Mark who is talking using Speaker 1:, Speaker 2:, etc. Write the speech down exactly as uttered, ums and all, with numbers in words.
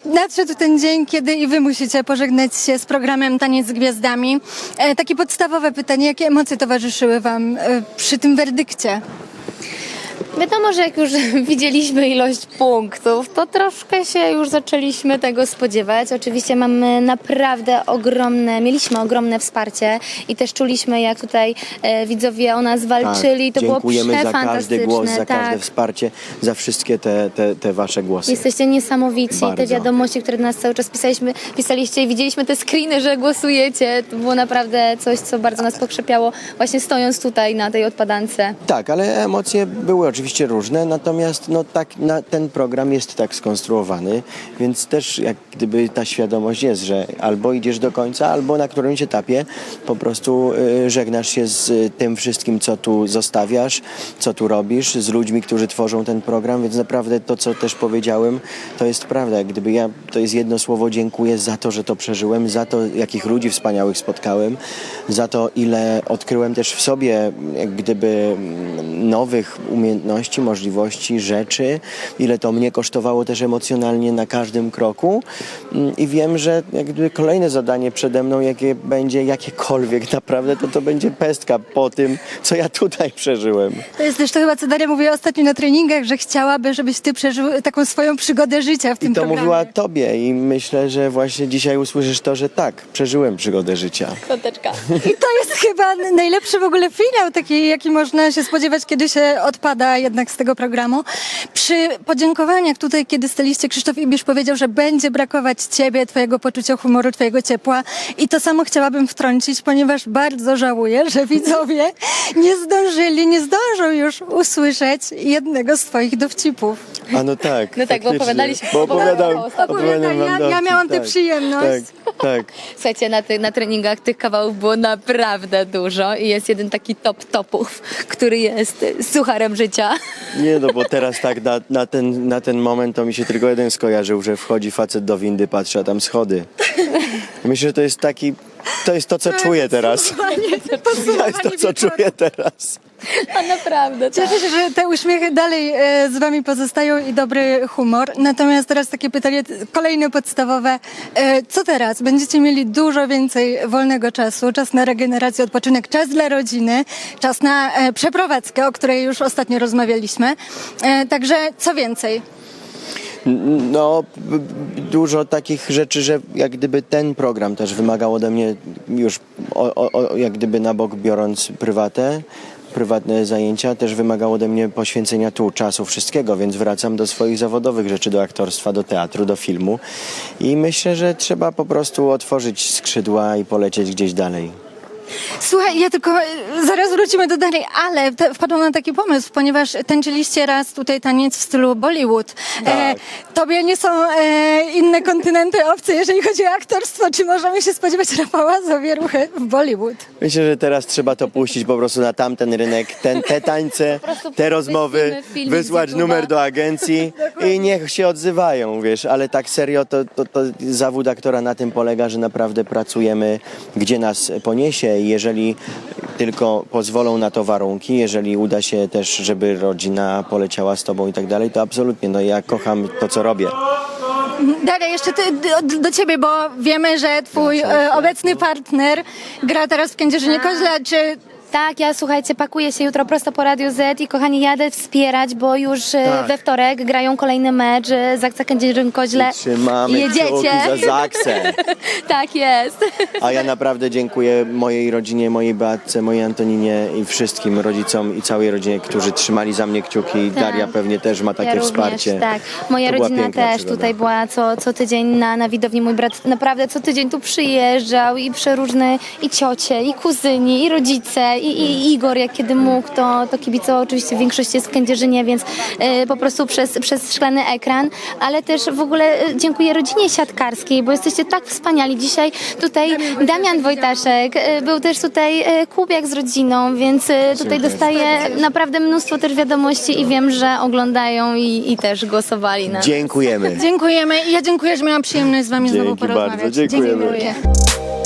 Speaker 1: nadszedł ten dzień, kiedy i wy musicie pożegnać się z programem Taniec z Gwiazdami. E, takie podstawowe pytanie, jakie emocje towarzyszyły wam e, przy tym werdykcie?
Speaker 2: Wiadomo, że jak już widzieliśmy ilość punktów, to troszkę się już zaczęliśmy tego spodziewać. Oczywiście mamy naprawdę ogromne, mieliśmy ogromne wsparcie i też czuliśmy, jak tutaj e, widzowie o nas walczyli.
Speaker 3: Tak,
Speaker 2: to było
Speaker 3: dziękujemy za każdy
Speaker 2: przefantastyczne.
Speaker 3: głos, za
Speaker 2: tak.
Speaker 3: każde wsparcie, za wszystkie te, te, te wasze głosy.
Speaker 2: Jesteście niesamowici.
Speaker 3: Bardzo.
Speaker 2: Te wiadomości, które do nas cały czas pisaliśmy, pisaliście i widzieliśmy te screeny, że głosujecie. To było naprawdę coś, co bardzo nas pokrzepiało, właśnie stojąc tutaj na tej odpadance.
Speaker 3: Tak, ale emocje były oczywiście różne, natomiast no, tak, na, ten program jest tak skonstruowany, więc też jak gdyby ta świadomość jest, że albo idziesz do końca, albo na którymś etapie po prostu y, żegnasz się z y, tym wszystkim, co tu zostawiasz, co tu robisz, z ludźmi, którzy tworzą ten program, więc naprawdę to, co też powiedziałem, to jest prawda. Jak gdyby ja, to jest jedno słowo, dziękuję za to, że to przeżyłem, za to, jakich ludzi wspaniałych spotkałem, za to, ile odkryłem też w sobie, jak gdyby nowych umiejętności, możliwości, rzeczy, ile to mnie kosztowało też emocjonalnie na każdym kroku i wiem, że jak gdyby kolejne zadanie przede mną, jakie będzie jakiekolwiek naprawdę, to to będzie pestka po tym, co ja tutaj przeżyłem.
Speaker 1: To jest też to chyba, co Daria mówiła ostatnio na treningach, że chciałaby, żebyś ty przeżył taką swoją przygodę życia w tym
Speaker 3: I to
Speaker 1: programie.
Speaker 3: mówiła tobie i myślę, że właśnie dzisiaj usłyszysz to, że tak, przeżyłem przygodę życia.
Speaker 2: Koteczka.
Speaker 1: I to jest chyba najlepszy w ogóle finał, taki, jaki można się spodziewać, kiedy się odpada jednak z tego programu. Przy podziękowaniach tutaj, kiedy staliście, Krzysztof Ibisz powiedział, że będzie brakować ciebie, twojego poczucia humoru, twojego ciepła. I to samo chciałabym wtrącić, ponieważ bardzo żałuję, że widzowie nie zdążyli, nie zdążą już usłyszeć jednego z twoich dowcipów.
Speaker 3: A no tak.
Speaker 2: No tak, bo
Speaker 3: faktycznie.
Speaker 2: opowiadaliśmy-
Speaker 3: Bo opowiadam,
Speaker 2: opowiadałam
Speaker 3: opowiadam wam
Speaker 1: ja, ja
Speaker 3: dowcip,
Speaker 1: miałam tę
Speaker 3: tak,
Speaker 1: przyjemność.
Speaker 3: Tak, tak.
Speaker 2: Słuchajcie, na, ty, na treningach tych kawałów było naprawdę dużo i jest jeden taki top topów, który jest sucharem życia.
Speaker 3: Nie no, bo teraz tak na, na, ten, na ten moment to mi się tylko jeden skojarzył, że wchodzi facet do windy, patrzy, a tam schody. Myślę, że to jest taki, to jest to, co czuję teraz. To jest to, co czuję teraz.
Speaker 2: A naprawdę, tak.
Speaker 1: Cieszę się, że te uśmiechy dalej e, z wami pozostają i dobry humor. Natomiast teraz takie pytanie t- kolejne podstawowe. E, co teraz? Będziecie mieli dużo więcej wolnego czasu, czas na regenerację, odpoczynek, czas dla rodziny, czas na e, przeprowadzkę, o której już ostatnio rozmawialiśmy. E, także co więcej?
Speaker 3: No, b- b- dużo takich rzeczy, że jak gdyby ten program też wymagał ode mnie już, o, o, o, jak gdyby na bok biorąc prywatę, prywatne zajęcia, też wymagało ode mnie poświęcenia tu czasu, wszystkiego, więc wracam do swoich zawodowych rzeczy, do aktorstwa, do teatru, do filmu i myślę, że trzeba po prostu otworzyć skrzydła i polecieć gdzieś dalej.
Speaker 1: Słuchaj, ja tylko e, zaraz wrócimy do dalej, ale te, wpadłam na taki pomysł, ponieważ tańczyliście raz tutaj taniec w stylu Bollywood. E,
Speaker 3: Tak.
Speaker 1: tobie nie są e, inne kontynenty obce, jeżeli chodzi o aktorstwo. Czy możemy się spodziewać Rafała Zawieruchy w Bollywood?
Speaker 3: Myślę, że teraz trzeba to puścić po prostu na tamten rynek, ten, te tańce,
Speaker 2: prostu
Speaker 3: te rozmowy,
Speaker 2: wyślijmy filmik
Speaker 3: wysłać
Speaker 2: z YouTube'a.
Speaker 3: numer do agencji i niech się odzywają, wiesz, ale tak serio to, to, to zawód aktora na tym polega, że naprawdę pracujemy, gdzie nas poniesie i jeżeli tylko pozwolą na to warunki, jeżeli uda się też, żeby rodzina poleciała z tobą i tak dalej, to absolutnie, no ja kocham to, co robię.
Speaker 1: Daria, jeszcze ty, do, do ciebie, bo wiemy, że twój e, obecny partner gra teraz w Kędzierzynie Koźle. Czy
Speaker 2: Tak, ja słuchajcie, pakuję się jutro prosto po Radio Z i kochani, jadę wspierać, bo już e,
Speaker 3: Tak.
Speaker 2: we wtorek grają kolejny mecz e, Zaksa Kędzierzyn-Koźle.
Speaker 3: Trzymamy
Speaker 2: Jedziecie.
Speaker 3: kciuki za Zaksę.
Speaker 2: Tak jest.
Speaker 3: A ja naprawdę dziękuję mojej rodzinie, mojej Beatce, mojej Antoninie i wszystkim rodzicom i całej rodzinie, którzy trzymali za mnie kciuki.
Speaker 2: Tak.
Speaker 3: Daria pewnie też ma takie
Speaker 2: ja
Speaker 3: wsparcie.
Speaker 2: Również, tak. Moja
Speaker 3: To była
Speaker 2: rodzina
Speaker 3: piękna
Speaker 2: też
Speaker 3: przygoda.
Speaker 2: tutaj była co, co tydzień na, na widowni. Mój brat naprawdę co tydzień tu przyjeżdżał i przeróżne i ciocie, i kuzyni, i rodzice, i, i Igor jak kiedy mógł, to, to kibicował oczywiście w większości jest w Kędzierzynie, więc e, po prostu przez, przez szklany ekran, ale też w ogóle e, dziękuję rodzinie siatkarskiej, bo jesteście tak wspaniali. Dzisiaj tutaj Damian Wojtaszek, e, był też tutaj e, Kubiak z rodziną, więc e, tutaj
Speaker 3: Dziękuję.
Speaker 2: dostaję naprawdę mnóstwo też wiadomości i wiem, że oglądają i, i też głosowali na
Speaker 3: Dziękujemy.
Speaker 1: dziękujemy. I ja dziękuję, że miałam przyjemność z wami znowu
Speaker 3: Dzięki
Speaker 1: porozmawiać.
Speaker 3: bardzo, dziękujemy.
Speaker 1: Dziękuję.